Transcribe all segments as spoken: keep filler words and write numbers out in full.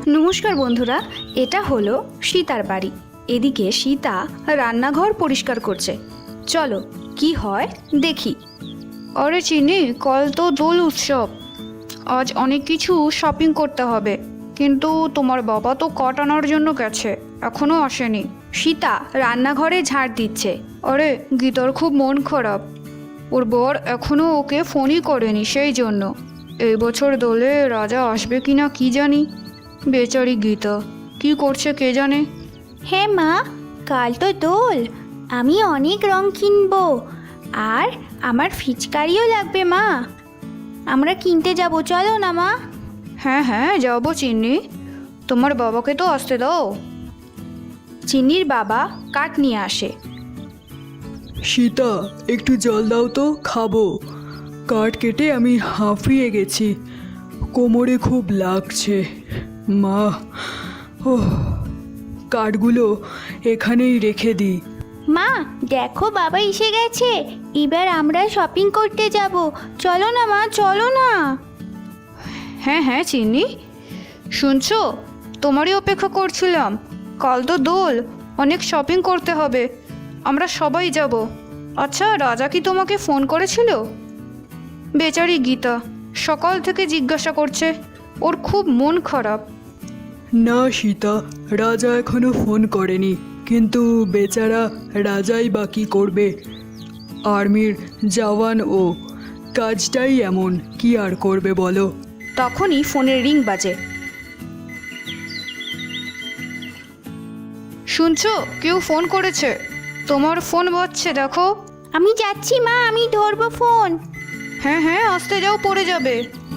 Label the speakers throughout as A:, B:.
A: নমস্কার বন্ধুরা, এটা হলো সীতার বাড়ি। এদিকে সীতা রান্নাঘর পরিষ্কার করছে। চলো কি হয় দেখি। আরে চিনি, কাল তো দোল উৎসব, আজ অনেক কিছু শপিং করতে হবে, কিন্তু তোমার বাবা তো কাঠ আনার জন্য গেছে, এখনো আসেনি। সীতা রান্নাঘরে ঝাড় দিচ্ছে। আরে গীতার খুব মন খারাপ, ওর বর এখনো ওকে ফোনই করেনি, সেই জন্য। এই বছর দোলে রাজা আসবে কিনা কি জানি। বেচারি গীতা কি করছে কে জানে।
B: হ্যাঁ মা, কাল তো দোল, আমি অনেক রং কিনবো, আর আমার ফিচকারিও লাগবে মা। আমরা কিনতে যাব, চলো না মা।
A: হ্যাঁ হ্যাঁ যাবো চিন্নি, তোমার বাবাকে তো আসতে দাও। চিন্নির বাবা কাঠ নিয়ে আসে।
C: সীতা, একটু জল দাও তো, খাবো। কাঠ কেটে আমি হাঁফিয়ে গেছি, কোমরে খুব লাগছে। মা, ও কাঠগুলো এখানেই রেখে দিই।
B: মা দেখো, বাবা এসে গেছে, এবার আমরা শপিং করতে যাব, চলো না মা, চলো না।
A: হ্যাঁ হ্যাঁ চিন্নি, শুনছো, তোমারই অপেক্ষা করছিলাম। কাল তো দোল, অনেক শপিং করতে হবে, আমরা সবাই যাব। আচ্ছা, রাজা কি তোমাকে ফোন করেছিল? বেচারি গীতা সকাল থেকে জিজ্ঞাসা করছে, ওর খুব মন খারাপ।
C: না সীতা, রাজা এখনো ফোন করেনি, কিন্তু বেচারা রাজাই বা কী করবে, আর্মির জওয়ান ও, কাজটাই এমন, কি আর করবে বলো।
A: তখনই ফোনের রিং বাজে। শুনছো, কেউ ফোন করেছে, তোমার ফোন বাজছে, দেখো।
B: আমি যাচ্ছি মা, আমি ধরবো ফোন।
A: হ্যাঁ হ্যাঁ আসতে যাও, পড়ে যাবে।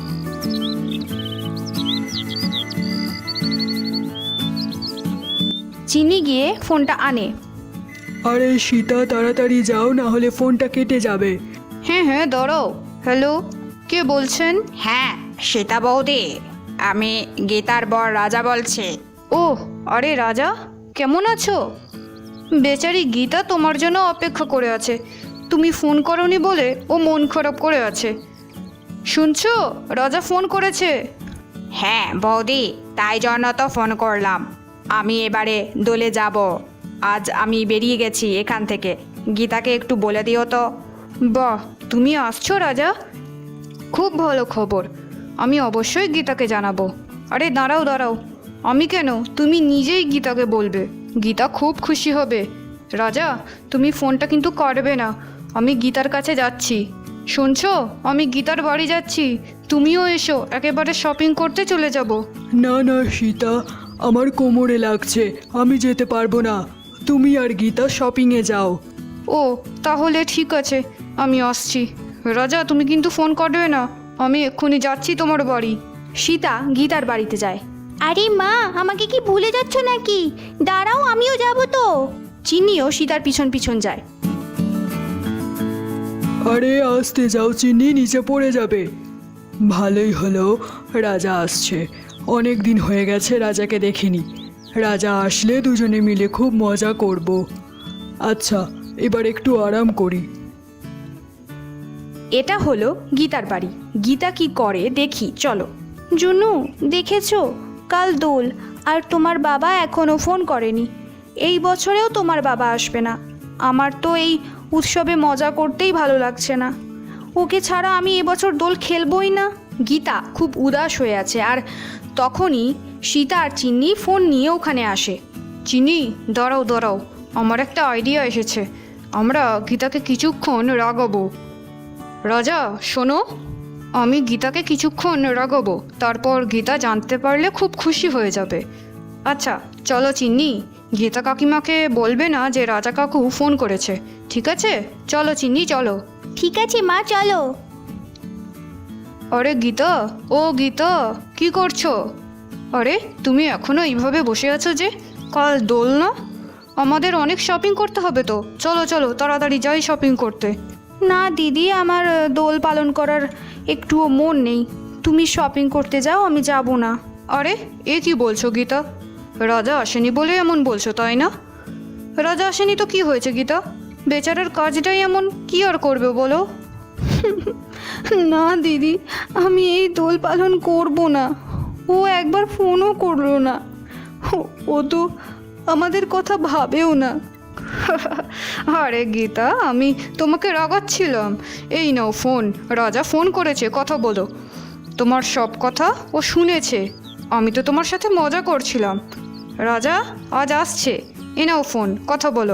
A: চিনি গিয়ে ফোনটা আনে।
C: আরে সীতা, তাড়াতাড়ি যাও, না হলে ফোনটা কেটে যাবে।
A: হ্যাঁ হ্যাঁ দাঁড়াও। হ্যালো, কে বলছেন?
D: হ্যাঁ, সীতা বৌদি, আমি গীতার বর রাজা বলছি।
A: ও আরে রাজা, কেমন আছো? বেচারি গীতা তোমার জন্য অপেক্ষা করে আছে, তুমি ফোন করনি বলে ও মন খারাপ করে আছে। শুনছো, রাজা ফোন করেছে।
D: হ্যাঁ বৌদি, তাই জন্য তো ফোন করলাম। আমি এবারে দোলে যাব, আজ আমি বেরিয়ে গেছি এখান থেকে। গীতাকে একটু বলে দিও তো।
A: বাহ, তুমি আসছো রাজা, খুব ভালো খবর, আমি অবশ্যই গীতাকে জানাবো। আরে দাঁড়াও দাঁড়াও, আমি কেন, তুমি নিজেই গীতাকে বলবে, গীতা খুব খুশি হবে। রাজা, তুমি ফোনটা কিন্তু করবে না, আমি গীতার কাছে যাচ্ছি। শুনছো, আমি গীতার বাড়ি যাচ্ছি, তুমিও এসো, একেবারে শপিং করতে চলে যাব।
C: না না সীতা, আমার কোমরে লাগছে, আমি যেতে পারবো না, তুমি আর গীতা শপিংয়ে যাও।
A: ও তাহলে ঠিক আছে, আমি আসছি। রাজা, তুমি কিন্তু ফোন করবে না, আমি এক্ষুনি যাচ্ছি তোমার বাড়ি। সীতা গীতার বাড়িতে যায়।
B: আরে মা, আমাকে কি ভুলে যাচ্ছ নাকি? দাঁড়াও, আমিও যাব তো।
A: চিনিও সীতার পিছন পিছন যায়।
C: আরে আসতে যাও চিনি, নিচে পড়ে যাবে। ভালোই হলো, রাজা আসছে, অনেক দিন হয়ে গেছে রাজাকে দেখিনি। রাজা আসলে দুজনে মিলে খুব মজা করব। আচ্ছা, এবার একটু আরাম করি।
A: এটা হলো গীতার বাড়ি। গীতা কি করে দেখি, চলো। জুনু, দেখেছো, কাল দোল, আর তোমার বাবা এখনও ফোন করেনি। এই বছরেও তোমার বাবা আসবে না। আমার তো এই উৎসবে মজা করতেই ভালো লাগছে না, ওকে ছাড়া আমি এবছর দোল খেলবই না। গীতা খুব উদাস হয়ে আছে, আর তখনই সীতা আর চিন্নি ফোন নিয়ে ওখানে আসে। চিন্নি, দাঁড়াও দাঁড়াও, আমার একটা আইডিয়া এসেছে, আমরা গীতাকে কিছুক্ষণ রাগাবো। রাজা শোনো, আমি গীতাকে কিছুক্ষণ রাগাবো, তারপর গীতা জানতে পারলে খুব খুশি হয়ে যাবে। আচ্ছা চলো চিন্নি, গীতা কাকিমাকে বলবে না যে রাজা কাকু ফোন করেছে, ঠিক আছে? চলো চিন্নি চলো।
B: ঠিক আছে মা, চলো।
A: আরে গীতা, ও গীতা, কি করছো? আরে তুমি এখনো এইভাবে বসে আছো যে, কাল দোল না? আমাদের অনেক শপিং করতে হবে তো, চলো চলো তাড়াতাড়ি যাই শপিং করতে। না দিদি, আমার দোল পালন করার একটুও মন নেই, তুমি শপিং করতে যাও, আমি যাব না। আরে এ কি বলছো গীতা, রাজা আসেনি বলে এমন বলছো তাই না? রাজা আসেনি তো কি হয়েছে গীতা, বেচারার কাজটাই এমন, কি আর করবে বলো। না দিদি, আমি এই দোল পালন করব না, ও একবার ফোনও করলো না। ও- ও তো আমাদের কথা ভাবেও না।
D: আরে গীতা, আমি তোমাকে রাগাচ্ছিলাম। এই নাও ফোন, রাজা ফোন করেছে, কথা বলো। তোমার সব কথা ও শুনেছে। আমি তো তোমার সাথে মজা করছিলাম। রাজা আজ আসছে, এ নাও ফোন, কথা বলো।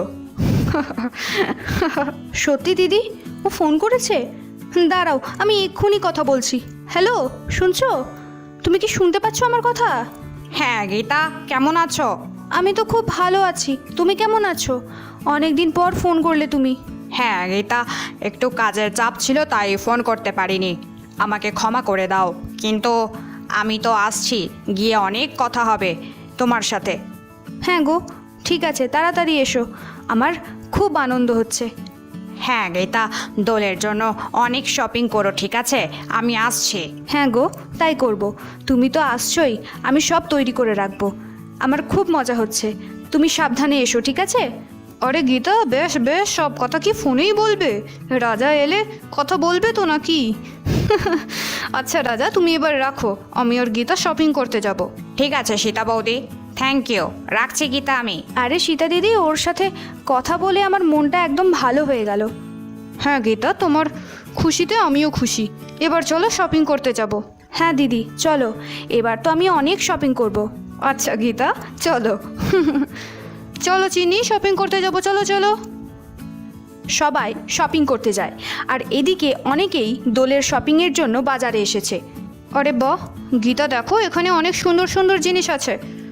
A: সত্যি দিদি, ও ফোন করেছে? দাঁড়াও, আমি এক্ষুনি কথা বলছি। হ্যালো, শুনছো? তুমি কি শুনতে পাচ্ছ আমার কথা?
D: হ্যাঁ গীতা, কেমন আছো?
A: আমি তো খুব ভালো আছি, তুমি কেমন আছো? অনেক দিন পর ফোন করলে তুমি।
D: হ্যাঁ গীতা, একটু কাজের চাপ ছিল তাই ফোন করতে পারিনি, আমাকে ক্ষমা করে দাও। কিন্তু আমি তো আসছি, গিয়ে অনেক কথা হবে তোমার সাথে।
A: হ্যাঁ গো, ঠিক আছে, তাড়াতাড়ি এসো, আমার খুব আনন্দ হচ্ছে।
D: হ্যাঁ গীতা, দোলের জন্য অনেক শপিং করো, ঠিক আছে? আমি আসছি।
A: হ্যাঁ গো, তাই করব। তুমি তো আসছোই, আমি সব তৈরি করে রাখবো। আমার খুব মজা হচ্ছে, তুমি সাবধানে এসো, ঠিক আছে?
D: আরে গীতা, বেশ বেশ, সব কথা কি ফোনেই বলবে? রাজা এলে কথা বলবে তো নাকি? আচ্ছা রাজা, তুমি এবার রাখো, আমি আর গীতা শপিং করতে যাব। ঠিক আছে সীতা বৌদি, থ্যাংক ইউ, রাখছি গীতা আমি।
A: আরে সীতা দিদি, ওর সাথে কথা বলে আমার মনটা একদম ভালো হয়ে গেল।
D: হ্যাঁ গীতা, তোমার খুশিতে আমিও খুশি। এবার চলো শপিং করতে যাব।
A: হ্যাঁ দিদি, চলো, এবার তো আমি অনেক শপিং করব।
D: আচ্ছা গীতা, চলো। চলো চিনি, শপিং করতে যাব, চলো চলো।
A: সবাই শপিং করতে যায়, আর এদিকে অনেকেই দোলের শপিংয়ের জন্য বাজারে এসেছে।
D: আরে বাহ গীতা, দেখো এখানে অনেক সুন্দর সুন্দর জিনিস আছে।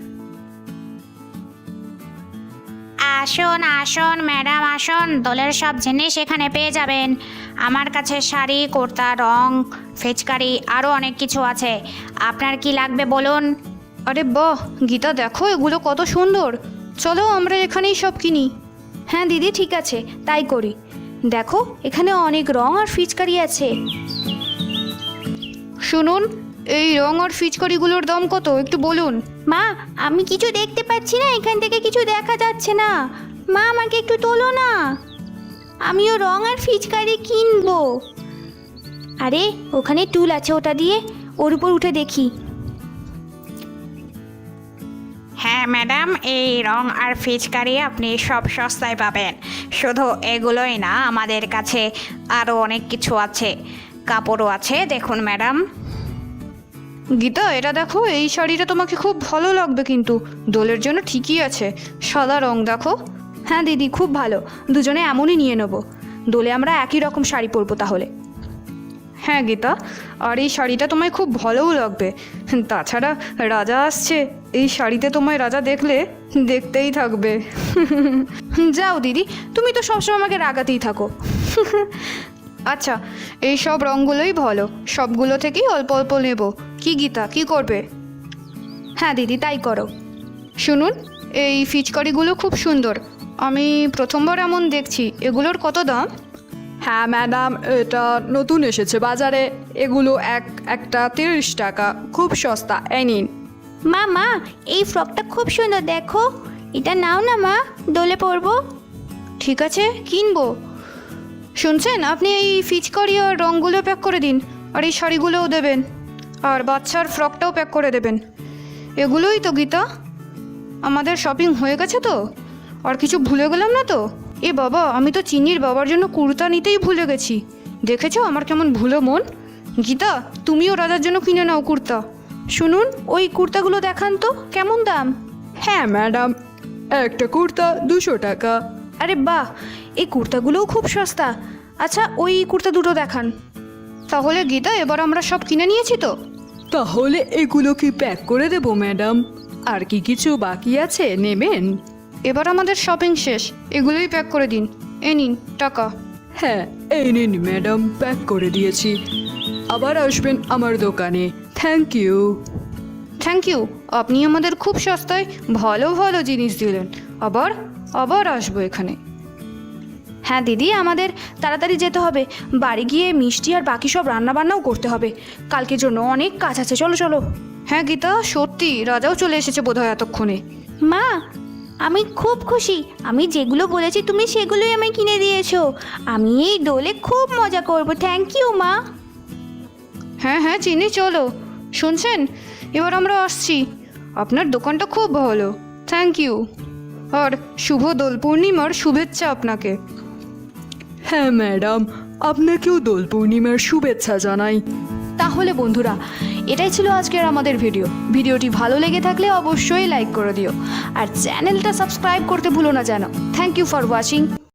B: আসুন আসুন ম্যাডাম, আসুন, দোলের সব জিনিস এখানে পেয়ে যাবেন। আমার কাছে শাড়ি, কুর্তা, রং, ফিচকারি, আরও অনেক কিছু আছে। আপনার কি লাগবে বলুন?
D: আরে বাহ গীতা, দেখো এগুলো কত সুন্দর। চলো আমরা এখানেই সব কিনি।
A: হ্যাঁ দিদি, ঠিক আছে, তাই করি। দেখো এখানে অনেক রং আর ফিচকারি আছে।
D: শুনুন, এই রং আর ফিচকারিগুলোর দাম কত একটু বলুন।
B: মা, আমি কিছু দেখতে পাচ্ছি না, এখান থেকে কিছু দেখা যাচ্ছে না। মা, আমাকে একটু তোলো না, আমিও রং আর ফিচকারি কিনবো। আরে ওখানে টুল আছে, ওটা দিয়ে ওর উপর উঠে দেখি। হ্যাঁ ম্যাডাম, এই রং আর ফিচকারি আপনি সব সস্তায় পাবেন। শুধু এগুলোই না, আমাদের কাছে আরও অনেক কিছু আছে, কাপড়ও আছে, দেখুন ম্যাডাম।
D: গীতা, এটা দেখো, এই শাড়িটা তোমাকে খুব ভালো লাগবে, কিন্তু দোলের জন্য ঠিকই আছে। সাদা রং দেখো।
A: হ্যাঁ দিদি, খুব ভালো, দুজনে এমনই নিয়ে নেবো। দোলে আমরা একই রকম শাড়ি পরবো তাহলে।
D: হ্যাঁ গীতা, আর এই শাড়িটা তোমায় খুব ভালোও লাগবে। তাছাড়া রাজা আসছে, এই শাড়িতে তোমায় রাজা দেখলে দেখতেই থাকবে।
A: যাও দিদি, তুমি তো সবসময় আমাকে রাগাতেই থাকো।
D: আচ্ছা, এই সব রঙগুলোই ভালো, সবগুলো থেকেই অল্প অল্প নেব। কি গীতা, কি করবে?
A: হ্যাঁ দিদি, তাই করো।
D: শুনুন, এই ফিচকারিগুলো খুব সুন্দর, আমি প্রথমবার এমন দেখছি। এগুলোর কত দাম?
C: হ্যাঁ ম্যাডাম, এটা নতুন এসেছে বাজারে, এগুলো এক একটা তিরিশ টাকা, খুব সস্তা, এই নিন।
B: মা মা, এই ফ্রকটা খুব সুন্দর, দেখো, এটা নাও না মা, দোলে পরবো।
D: ঠিক আছে, কিনবো। শুনছেন, আপনি এই ফিচকারি আর রঙগুলো প্যাক করে দিন, আর এই শাড়িগুলোও দেবেন, আর বাচ্চার ফ্রকটাও প্যাক করে দেবেন। এগুলোই তো গীতা, আমাদের শপিং হয়ে গেছে তো? আর কিছু ভুলে গেলাম না তো? এ বাবা, আমি তো চিনির বাবার জন্য কুর্তা নিতেই ভুলে গেছি। দেখেছো আমার কেমন ভুলো মন? গীতা, তুমিও রাজার জন্য কিনে নাও কুর্তা।
A: শুনুন, ওই কুর্তাগুলো দেখান তো, কেমন দাম?
C: হ্যাঁ ম্যাডাম, একটা কুর্তা দুশো টাকা।
A: আরে বাহ, এই কুর্তাগুলোও খুব সস্তা। আচ্ছা, ওই কুর্তা দুটো দেখান।
D: তাহলে গীতা, এবার আমরা সব কিনে নিয়েছি তো?
C: তাহলে এগুলো কি প্যাক করে দেবো ম্যাডাম? আর কি কিছু বাকি আছে নেবেন?
D: এবার আমাদের শপিং শেষ, এগুলোই প্যাক করে দিন। এ নিন টাকা।
C: হ্যাঁ, এই নিন ম্যাডাম, প্যাক করে দিয়েছি। আবার আসবেন আমার দোকানে। Thank you.
D: থ্যাংক ইউ, আপনি আমাদের খুব সস্তায় ভালো ভালো জিনিস দিলেন। আবার আবার আসবো এখানে।
A: হ্যাঁ দিদি, আমাদের তাড়াতাড়ি যেতে হবে, বাড়ি গিয়ে মিষ্টি আর বাকি সব রান্নাবান্নাও করতে হবে। কালকের জন্য অনেক কাজ আছে, চলো চলো।
D: হ্যাঁ গীতা, সত্যি রাজাও চলে এসেছে বোধহয় এতক্ষণে।
B: মা, আমি খুব খুশি, আমি যেগুলো বলেছি তুমি সেগুলোই আমায় কিনে দিয়েছো। আমি এই দোলে খুব মজা করব। থ্যাংক ইউ মা।
D: হ্যাঁ হ্যাঁ চিনি, চলো শুনছেন, এবার আমরা আসছি। আপনার দোকানটা খুব ভালো, থ্যাংক ইউ। আর শুভ দোল পূর্ণিমার শুভেচ্ছা আপনাকে।
C: হ্যাঁ ম্যাডাম, আপনাকেও দোল পূর্ণিমার শুভেচ্ছা জানাই।
A: তাহলে বন্ধুরা, এটাই ছিল আজকের আমাদের ভিডিও। ভিডিওটি ভালো লেগে থাকলে অবশ্যই লাইক করে দিও আর চ্যানেলটা সাবস্ক্রাইব করতে ভুলো না যেন। Thank you for watching.